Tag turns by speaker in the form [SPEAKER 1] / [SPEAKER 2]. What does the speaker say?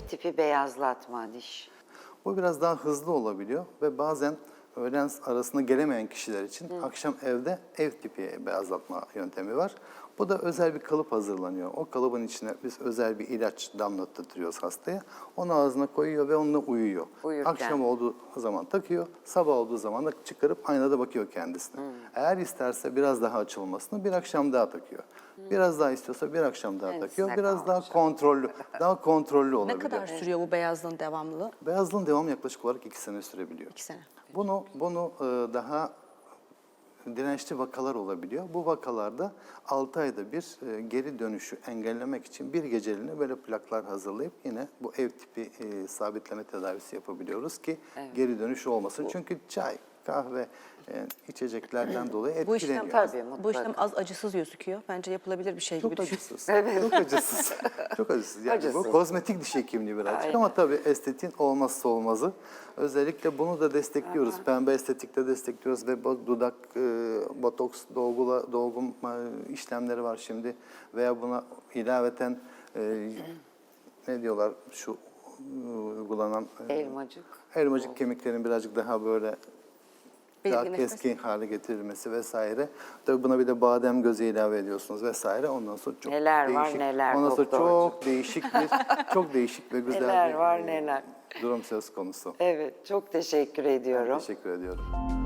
[SPEAKER 1] tipi beyazlatma diş.
[SPEAKER 2] Bu biraz daha hızlı olabiliyor ve bazen öğlen arasında gelemeyen kişiler için akşam evde ev tipi beyazlatma yöntemi var. Bu da özel bir kalıp hazırlanıyor. O kalıbın içine biz özel bir ilaç damlattırıyoruz hastaya. Onu ağzına koyuyor ve onunla uyuyor.
[SPEAKER 1] Uyurken.
[SPEAKER 2] Akşam olduğu zaman takıyor, sabah olduğu zaman da çıkarıp aynada bakıyor kendisine. Eğer isterse biraz daha açılmasını bir akşam daha takıyor. Biraz daha istiyorsa bir akşam daha takıyor. Biraz daha kontrollü
[SPEAKER 3] Ne
[SPEAKER 2] olabiliyor.
[SPEAKER 3] kadar sürüyor bu beyazlığın devamlılığı?
[SPEAKER 2] Beyazlığın devamı yaklaşık olarak 2 sene sürebiliyor.
[SPEAKER 3] 2 sene.
[SPEAKER 2] Bunu daha dirençli vakalar olabiliyor. Bu vakalarda 6 ayda bir geri dönüşü engellemek için bir geceliğine böyle plaklar hazırlayıp yine bu ev tipi sabitleme tedavisi yapabiliyoruz ki geri dönüş olmasın. Çünkü çay, kahve, içeceklerden dolayı
[SPEAKER 3] Bu
[SPEAKER 2] etkileniyor.
[SPEAKER 3] işlem,
[SPEAKER 1] Tabii, mutlaka.
[SPEAKER 3] bu işlem az acısız gözüküyor. Bence yapılabilir bir şey gibi
[SPEAKER 2] Çok
[SPEAKER 3] düşünüyorum.
[SPEAKER 2] acısız. Çok acısız. Çok acısız. Yani
[SPEAKER 1] Acısız.
[SPEAKER 2] bu kozmetik diş hekimliği birazcık
[SPEAKER 1] Aynen.
[SPEAKER 2] ama tabii estetiğin olmazsa olmazı. Özellikle bunu da destekliyoruz. Pembe estetikte destekliyoruz ve dudak botoks dolgu işlemleri var şimdi veya buna ilaveten ne diyorlar şu uygulanan elmacık kemiklerin birazcık daha böyle daha
[SPEAKER 3] Belirginleşmesi.
[SPEAKER 2] keskin hale getirilmesi vesaire. Tabii buna bir de badem gözü ilave ediyorsunuz vesaire. Ondan sonra çok
[SPEAKER 1] Neler var,
[SPEAKER 2] değişik.
[SPEAKER 1] neler
[SPEAKER 2] Ondan sonra
[SPEAKER 1] doktorcuğum.
[SPEAKER 2] çok değişik ve güzel
[SPEAKER 1] Neler
[SPEAKER 2] bir
[SPEAKER 1] var, neler.
[SPEAKER 2] durum söz konusu.
[SPEAKER 1] Evet, çok teşekkür ediyorum.
[SPEAKER 2] Teşekkür ediyorum.